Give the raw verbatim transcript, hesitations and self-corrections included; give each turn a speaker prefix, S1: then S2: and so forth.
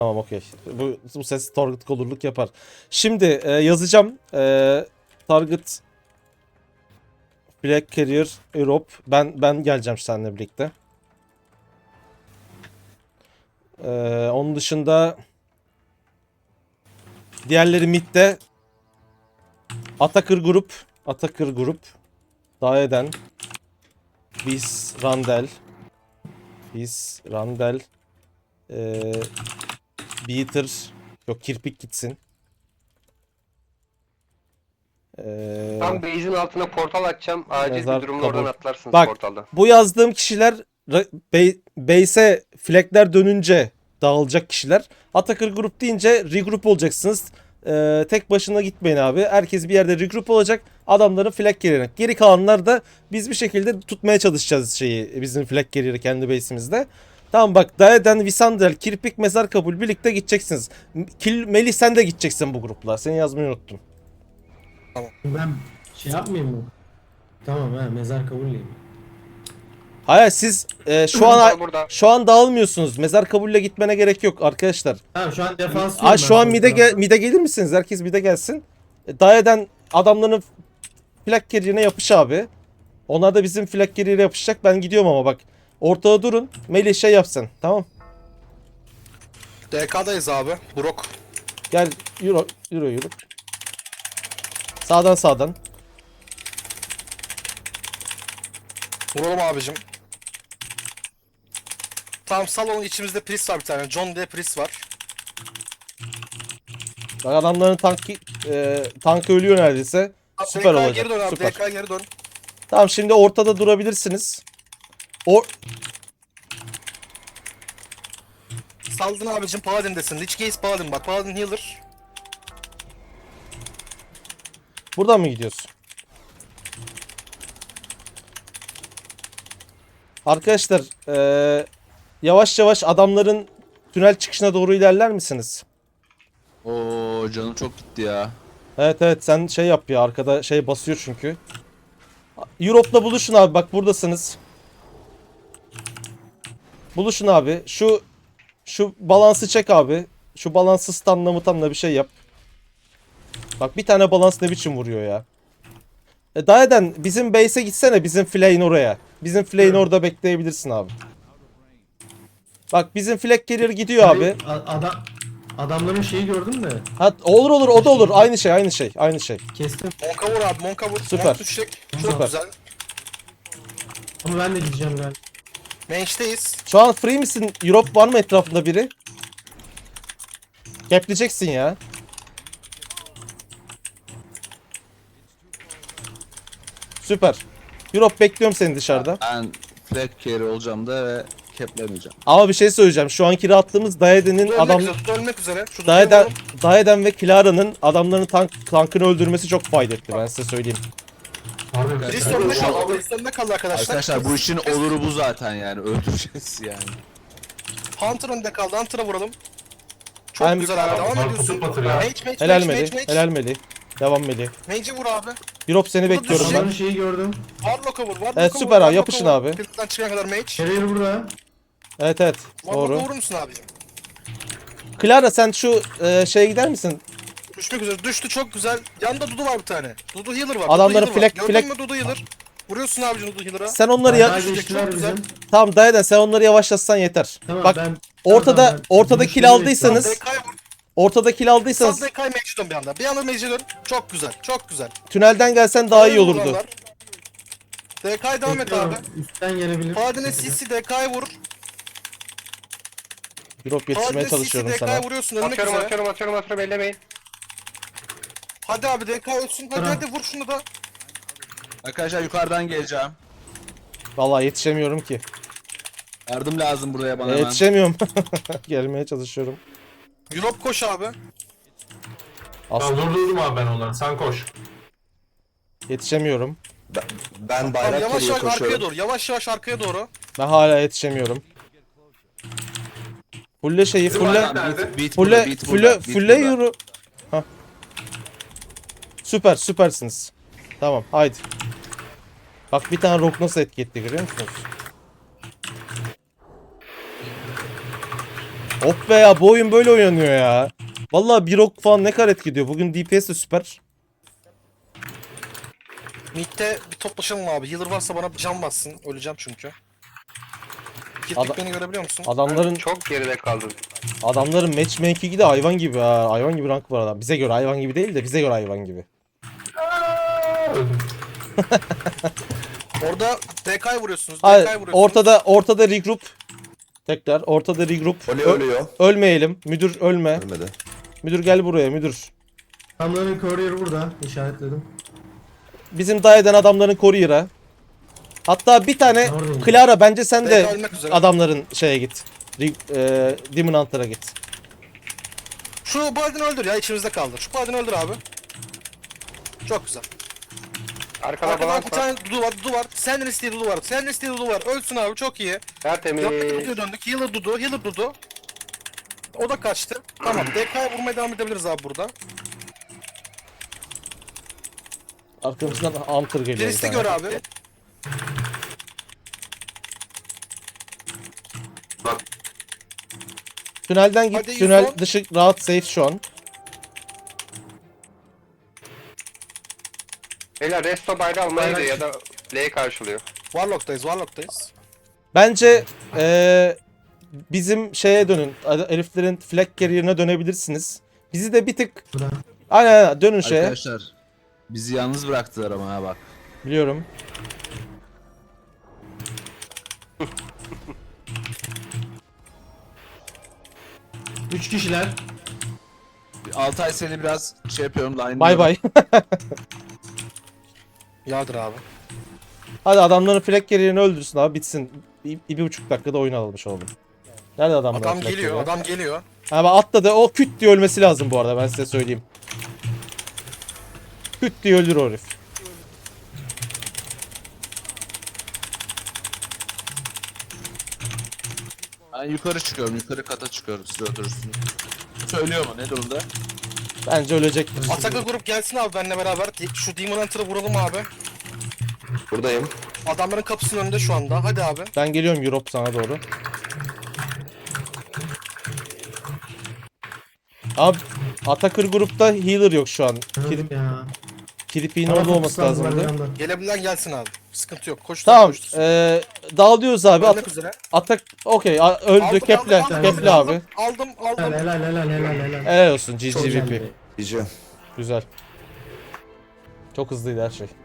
S1: Tamam okey. Bu, bu ses target color'luk yapar. Şimdi e, yazacağım. E, target Flag Carrier Europe. Ben ben geleceğim seninle birlikte. E, onun dışında diğerleri midde. Atakır grup. Atakır grup. Daeden. Biz Randel. Biz Randel. E, Beater. Yok kirpik gitsin. Ee,
S2: Tam base'in altına portal açacağım. Acil
S1: Mezar
S2: bir durumda oradan
S1: kabul.
S2: atlarsınız
S1: Bak,
S2: portaldan.
S1: bu yazdığım kişiler ra- be- base'e flagler dönünce dağılacak kişiler. Atakır grup deyince regroup olacaksınız. Ee, tek başına gitmeyin abi. Herkes bir yerde regroup olacak. Adamların flag carrier'ine. Geri kalanlar da biz bir şekilde tutmaya çalışacağız şeyi. Bizim flag carrier'ı kendi base'imizde. Tamam bak, Daeden, Visandel, Kirpik, Mezar Kabul birlikte gideceksiniz. Kil, Melih sen de gideceksin bu grupla. Seni yazmayı unuttum.
S3: Ben şey yapmayayım mı? Tamam ha, mezar kabulleyim.
S1: Hayır siz e, şu an
S2: Portal burada.
S1: şu an dağılmıyorsunuz. Mezar kabulle gitmene gerek yok arkadaşlar.
S3: Tamam şu an defans
S1: Aa, şu an mide gel mide gelir misiniz? Herkes mide gelsin. E, Daeden adamların flag carrier'ine yapış abi. Onlar da bizim flag carrier'e yapışacak. Ben gidiyorum ama bak. Ortada durun. Melih şey yapsın. Tamam.
S4: D K'dayız abi. Brok.
S1: Gel yürü yürü yürü. Sağdan sağdan.
S4: Vuralım abicim. Tamam salonun içimizde Priest var bir tane. John diye Priest var.
S1: Bak adamların tankı e, tankı ölüyor neredeyse. Süper
S4: D K'ya
S1: olacak.
S4: geri dön abi.
S1: Süper.
S4: D K'ya geri dön.
S1: Tamam şimdi ortada durabilirsiniz. O
S4: Saldın abicim Paladin'desin. Lich Gaze Paladin bak. Paladin healer.
S1: buradan mı gidiyorsun? Arkadaşlar eee, yavaş yavaş adamların tünel çıkışına doğru ilerler misiniz?
S5: Oo canım çok gitti ya.
S1: Evet evet sen şey yap ya, arkada şey basıyor çünkü. Europe'la buluşun abi, bak buradasınız. Buluşun abi. Şu şu balansı çek abi. Şu balansı stunla mutanla bir şey yap. Bak bir tane balans ne biçim vuruyor ya. E, Daeden bizim base'e gitsene, bizim flay'in oraya. Bizim flay'in orada bekleyebilirsin abi. Bak bizim flag carrier gidiyor abi.
S3: Adam adamların şeyi gördüm de
S1: Ha, olur olur o da olur. Aynı şey aynı şey aynı şey.
S3: kestim.
S4: Monka vur abi. Monka vur.
S1: Süper.
S4: Monk düşecek. Çok
S1: Süper.
S4: güzel.
S3: Ama ben de gideceğim galiba.
S4: Range'deyiz.
S1: Şu an free misin? Europe var mı etrafında biri? Gapleyeceksin ya. Süper. Europe bekliyorum seni dışarıda.
S5: Ben flag carry olacağım da ve keplemeyeceğim.
S1: Ama bir şey söyleyeceğim. Şu anki rahatlığımız Daeden'in
S4: Ölmek
S1: adam
S4: üzere. Tut ölmek üzere. Şu
S1: Daeden,
S4: Daeden.
S1: Daeden ve Clara'nın adamların tank, tankını öldürmesi çok fayda etti, ben size söyleyeyim.
S4: Priest önünde kaldı. Priest önünde kaldı arkadaşlar.
S5: Arkadaşlar bu işin oluru bu zaten yani. Öldüreceğiz yani.
S4: Hunter önünde kaldı. Hunter'a vuralım. Çok
S1: Ben-
S4: güzel abi. Devam ediyorsun. Mage, mage,
S1: Helal
S4: mage,
S1: Melih.
S4: mage, mage.
S1: Helal Melih. Devam Melih.
S4: Mage'i vur abi.
S1: Europe seni
S4: Burada
S1: bekliyorum
S4: düşecek.
S1: ben.
S3: Adamların şeyi gördüm.
S4: Warlock'a vur. Warlock'a
S1: Evet,
S4: vur,
S1: süper abi,
S4: Warlock'a
S1: yapışın
S4: vur.
S1: abi.
S4: Pilot'tan çıkana kadar mage.
S3: Carrier burada.
S1: Evet evet.
S4: Warlock'a
S1: Doğru.
S4: vurur musun abicim?
S1: Clara sen şu e, şeye gider misin?
S4: Düşmek üzere. Düştü çok güzel. Yanında Dudu var bir tane. Dudu healer var.
S1: Adamların
S4: Dudu healer
S1: flag-
S4: var. Gördün
S1: flag-
S4: mü Dudu healer? Vuruyorsun abicim Dudu healer'a.
S1: Sen onları ya...
S3: Bayağı geçtiler
S4: çok güzel.
S3: bizim.
S1: Tamam Daeden sen onları yavaşlatsan yeter.
S3: Tamam
S1: Bak
S3: ben
S1: ortada
S3: Tamam, ben-
S1: ortada
S3: Görüşleri
S1: kill aldıysanız,
S4: D K'ya vur.
S1: ortada kill aldıysanız
S4: Sal D K'ya mage'e dön bir anda. Bir anda mage'e dön. Çok güzel. Çok güzel.
S1: tünelden gelsen daha iyi olurdu.
S4: Vuranlar. D K'ya devam et abi.
S3: bekliyorum. Üstten gelebilir.
S4: Paladin'e C C D K'ya vur.
S1: Europe yetişmeye
S4: Paladin'e C C
S1: çalışıyorum
S4: D K'ya
S1: sana.
S4: vuruyorsun. Ölmek
S2: Atıyorum
S4: üzere.
S2: atıyorum atıyorum atıyorum ellemeyin.
S4: Hadi abi D K ölsün. Hadi
S3: Tamam.
S4: hadi vur şunu da.
S5: Arkadaşlar yukarıdan geleceğim.
S1: Vallahi yetişemiyorum ki.
S5: Yardım lazım buraya bana
S1: E,
S5: hemen.
S1: yetişemiyorum. Gelmeye çalışıyorum.
S4: Europe koş abi.
S1: Aslında
S6: Tamam durdurdum abi ben onları. Sen koş.
S1: yetişemiyorum.
S5: Ben
S4: Tamam,
S5: bayrak
S4: yavaş
S5: geriye
S4: yavaş arkaya
S5: koşuyorum.
S4: doğru. Yavaş yavaş arkaya doğru.
S1: Ben hala yetişemiyorum. Fulle şeyi
S6: Bizim
S1: fulle
S6: bayrak nerede?
S5: Beat burada,
S1: fulle
S5: beat
S1: fulle
S5: burada, beat
S1: fulle
S5: burada.
S1: yürü. Hah. Süper süpersiniz. Tamam haydi. Bak bir tane rock nasıl etki etti görüyor musunuz? Of be ya, bu oyun böyle oynanıyor ya. Vallahi bir ok falan ne kadar etki. Bugün D P S de süper.
S4: Mid'de bir toplaşalım abi. Healer varsa bana can bassın. Öleceğim çünkü.
S1: Ada-
S4: Kirpik beni görebiliyor musun?
S1: Adamların
S2: Çok geride kaldım.
S1: adamların matchmaking'i de hayvan gibi ha. Hayvan gibi rank var adam. Bize göre hayvan gibi değil de bize göre hayvan gibi.
S4: Orada D K'yı vuruyorsunuz. D
S1: Hayır,
S4: K'yı vuruyorsunuz.
S1: ortada ortada regroup. Tekrar ortada regroup.
S7: Oli
S1: Ö-
S7: ölüyor.
S1: ölmeyelim. Müdür ölme.
S7: Ölmedi.
S1: Müdür gel buraya müdür.
S3: Adamların courier burada. İşaretledim.
S1: Bizim dayı eden adamların courier'a. Hatta bir tane
S3: Oradayım.
S1: Clara, bence sen
S4: D
S1: de
S4: K ölmek üzere.
S1: adamların şeye git. Re- e, Demon Hunter'a git.
S4: Şu Paladin'i öldür ya, içimizde kaldı. Şu Paladin'i öldür abi. Çok güzel.
S2: Arkada
S4: Arkadan
S2: balans
S4: bir
S2: var.
S4: tane Dudu var, Dudu var. Senden istediği Dudu var. Senden istediği Dudu var. Ölsün abi, çok iyi.
S2: Tertemiz.
S4: Yaptık Dudu'ya döndük. Healer Dudu, Healer Dudu. O da kaçtı. Tamam, D K'ya vurmaya devam edebiliriz abi burada.
S1: Arkamızdan Hunter geliyor. bir
S4: Priest'i
S1: tane.
S4: gör abi.
S1: Tünelden git.
S4: Hadi
S1: Tünel
S4: Yusuf.
S1: dışı rahat, safe şu an.
S2: Beyler resto bayrağı almaydı
S3: Bayrak-
S2: ya da L'yi karşılıyor.
S4: Warlock'tayız, Warlock'tayız.
S1: Bence eee, bizim şeye dönün. Eliflerin flag carrier'ine dönebilirsiniz. Bizi de bir tık
S3: Burada.
S1: aynen, aynen dönün şeye.
S5: Arkadaşlar bizi yalnız bıraktılar ama ha bak.
S1: Biliyorum.
S3: Üç kişiler.
S5: Altay seni biraz şey yapıyorum line.
S1: Bay bay.
S4: Yardır abi.
S1: Hadi adamların flag carrier'ini öldürsün abi, bitsin. Bir, bir, bir buçuk dakikada oyun almış oldum. Nerede adamlar?
S4: Adam
S1: flag
S4: geliyor,
S1: carrier?
S4: adam geliyor.
S1: Ha bak, atladı. O küt diye ölmesi lazım bu arada, ben size söyleyeyim. Küt diye ölür o herif.
S5: Ben yukarı çıkıyorum, yukarı kata çıkıyorum, siz oturursunuz. Söylüyor mu, ne durumda?
S1: Bence ölecektir.
S4: Ataklı grup gelsin abi benimle beraber. Şu Demon Hunter'ı vuralım abi.
S7: Buradayım.
S4: Adamların kapısının önünde şu anda. Hadi abi.
S1: Ben geliyorum Europe sana doğru. Abi Atakır grupta healer yok şu an.
S3: Anladım ya.
S1: Kirpiğin
S3: Bana
S1: orada olması
S3: fokuslandılar
S1: lazımdı.
S3: bir anda.
S4: Gelebilen gelsin abi. Sıkıntı yok. Koştur,
S1: Tamam.
S4: koştur.
S1: Eee dağılıyoruz abi.
S4: Ölmek
S1: At-
S4: üzere.
S1: atak okey. a- Öldü.
S4: Aldım,
S1: Keple.
S4: aldım, aldım,
S1: Keple
S4: aldım,
S1: abi.
S4: Aldım,
S3: Helal
S4: aldım.
S3: helal helal helal helal.
S1: Helal olsun. G
S3: Çok
S1: G V P.
S3: güzeldi.
S7: Diyeceğim.
S1: Güzel. Çok hızlıydı her şey.